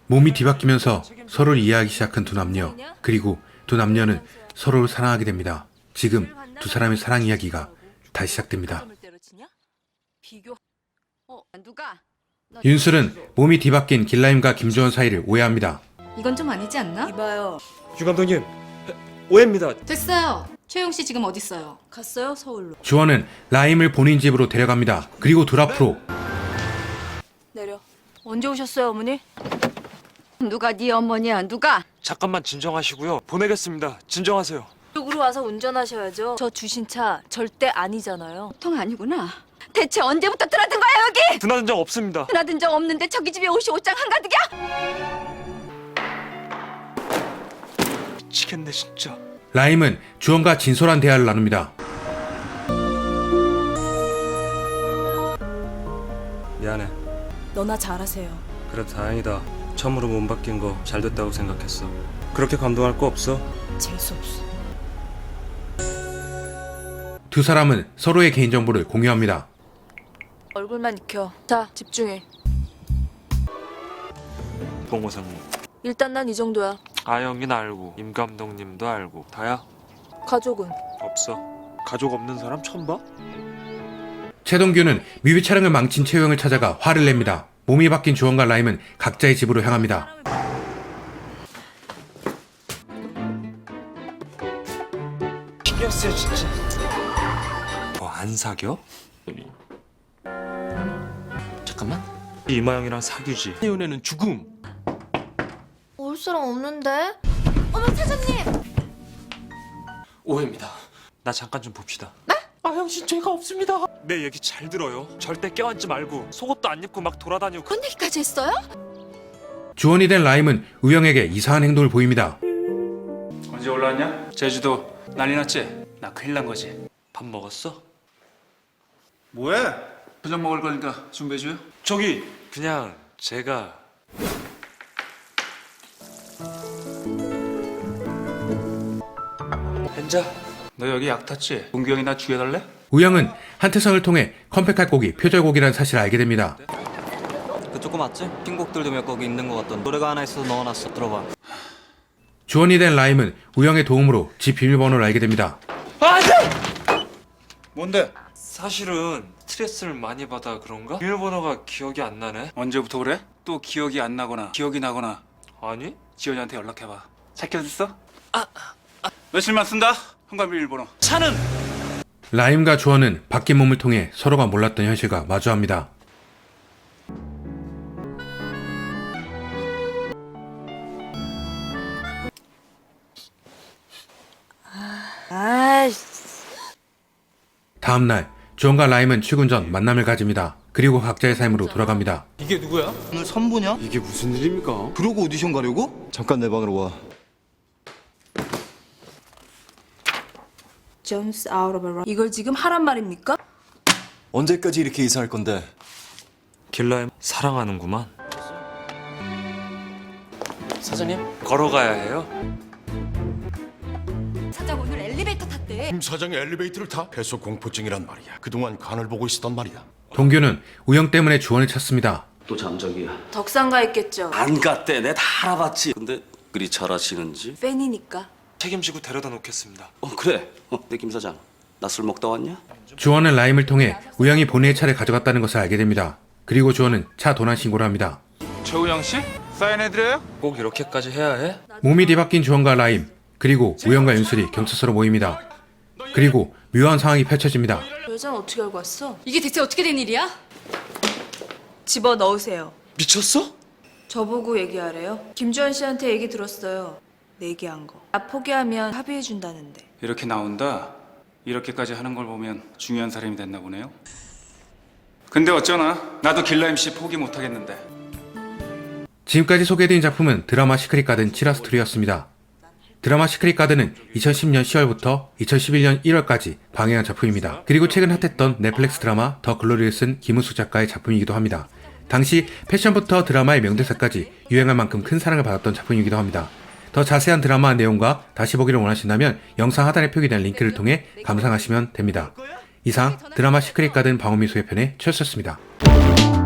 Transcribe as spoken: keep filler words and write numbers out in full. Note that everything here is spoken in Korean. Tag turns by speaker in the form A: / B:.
A: 몸이 뒤바뀌면서 서로를 이해하기 시작한 두 남녀. 그리고 두 남녀는 서로를 사랑하게 됩니다. 지금 두 사람의 사랑 이야기가 다시 시작됩니다. 윤술은 몸이 뒤바뀐 길라임과 김주원 사이를 오해합니다.
B: 이건 좀 아니지 않나?
C: 이봐요.
D: 유 감독님, 오해입니다.
B: 됐어요. 최용 씨 지금 어디 있어요?
C: 갔어요? 서울로.
A: 주원은 라임을 본인 집으로 데려갑니다. 그리고 둘 앞으로
C: 내려. 언제 오셨어요, 어머니? 누가 네 어머니야? 누가?
D: 잠깐만 진정하시고요. 보내겠습니다. 진정하세요.
C: 이쪽으로 와서 운전하셔야죠. 저 주신 차 절대 아니잖아요. 통 아니구나. 대체 언제부터 드나든 거야 여기?
D: 드나든 적 없습니다.
C: 드나든 적 없는데 저기 집에 옷이 옷장 한가득이야?
D: 미치겠네 진짜.
A: 라임은 주원과 진솔한 대화를 나눕니다.
E: 미안해.
C: 너나 잘하세요.
E: 그래 다행이다. 처음으로 몸 바뀐 거 잘 됐다고 생각했어. 그렇게 감동할 거 없어?
C: 재수없어.
A: 두 사람은 서로의 개인정보를 공유합니다.
C: 얼굴만 익혀. 자, 집중해.
D: 봉호사님,
C: 일단 난 이 정도야.
D: 아영이는 알고, 임 감독님도 알고. 다야?
C: 가족은?
D: 없어. 가족 없는 사람 처음 봐?
A: 최동규는 뮤비 촬영을 망친 최우영을 찾아가 화를 냅니다. 몸이 바뀐 주원과 라임은 각자의 집으로 향합니다.
D: 신경 쓰여 진짜. 뭐 안 사겨?
F: 잠깐만.
D: 이마영이랑 사귀지.
F: 이 은혜는 죽음.
G: 올 사람 없는데?
F: 오해입니다.
D: 나 잠깐 좀 봅시다.
F: 아영 씨 죄가 없습니다.
D: 내 얘기 잘 들어요. 절대 껴안지 말고 속옷도 안 입고 막 돌아다니고.
C: 그런 얘기까지 했어요?
A: 주원이 된 라임은 우영에게 이상한 행동을 보입니다.
H: 언제 올라왔냐? 제주도 난리 났지? 나 큰일 난 거지.
D: 밥 먹었어?
H: 뭐해? 저녁 먹을 거니까 준비해줘요.
D: 저기 그냥 제가 앉아.
H: 너 여기 약 탔지? 동규 형이 나 죽여달래?
A: 우영은 한태성을 통해 컴팩할 곡이 표절곡이라는 사실을 알게 됩니다.
I: 그쪽 거 맞지? 핑곡들도 몇 곡 있는 것 같던 노래가 하나 있어서 넣어놨어. 들어봐.
A: 주원이 된 라임은 우영의 도움으로 집 비밀번호를 알게 됩니다.
H: 뭔데?
D: 사실은 스트레스를 많이 받아 그런가? 비밀번호가 기억이 안 나네.
H: 언제부터 그래? 또 기억이 안 나거나 기억이 나거나
D: 아니?
H: 지연이한테 연락해봐. 찾겨졌어? 아, 아. 며칠만 쓴다? 현관 비밀번호.
D: 차는
A: 라임과 주원은 바뀐 몸을 통해 서로가 몰랐던 현실과 마주합니다.
C: 아이씨.
A: 다음날 주원과 라임은 출근 전 만남을 가집니다. 그리고 각자의 삶으로 돌아갑니다.
F: 이게 누구야?
I: 오늘 선보냐?
F: 이게 무슨 일입니까?
I: 그러고 오디션 가려고? 잠깐 내 방으로 와.
C: Jones out of a run. 이걸 지금 하란 말입니까?
I: 언제까지 이렇게 이사할 건데?
D: 길라임 사랑하는구만.
F: 사장님?
D: 걸어가야 해요?
B: 사장 오늘 엘리베이터 탔대.
J: 김 사장이 엘리베이터를 타? 폐소 공포증이란 말이야. 그동안 간을 보고 있었단 말이야.
A: 동규는 우영 때문에 주원을 찾습니다.
K: 또 잠적이야.
C: 덕상가 있겠죠.
K: 안 갔대. 내 다 알아봤지. 근데 그리 잘하시는지.
C: 팬이니까.
D: 책임지고 데려다 놓겠습니다.
K: 어 그래. 어, 내 김 사장. 나 술 먹다 왔냐?
A: 주원은 라임을 통해 우영이 본인의 차를 가져갔다는 것을 알게 됩니다. 그리고 주원은 차 도난 신고를 합니다.
H: 최우영 씨? 사인해드려요?
D: 꼭 이렇게까지 해야 해?
A: 몸이 뒤바뀐 주원과 라임, 그리고 우영과 윤술이 경찰서로 모입니다. 그리고 묘한 상황이 펼쳐집니다.
C: 여자는 어떻게 알고 왔어?
B: 이게 대체 어떻게 된 일이야?
C: 집어 넣으세요.
D: 미쳤어?
C: 저보고 얘기하래요. 김주환 씨한테 얘기 들었어요. 내기한 거. 나 포기하면 합의해 준다는데.
H: 이렇게 나온다. 이렇게까지 하는 걸 보면 중요한 사람이 됐나 보네요. 근데 어쩌나 나도 길라임 씨 포기 못 하겠는데.
A: 지금까지 소개해드린 작품은 드라마 시크릿 가든 칠 화 스토리였습니다. 드라마 시크릿 가든은 이천십 년 시월부터 이천십일 년 일월까지 방영한 작품입니다. 그리고 최근 핫했던 넷플릭스 드라마 더 글로리를 쓴 김은숙 작가의 작품이기도 합니다. 당시 패션부터 드라마의 명대사까지 유행할 만큼 큰 사랑을 받았던 작품이기도 합니다. 더 자세한 드라마 내용과 다시 보기를 원하신다면 영상 하단에 표기된 링크를 통해 감상하시면 됩니다. 이상 드라마 시크릿 가든 방어미소의 편의 최였습니다.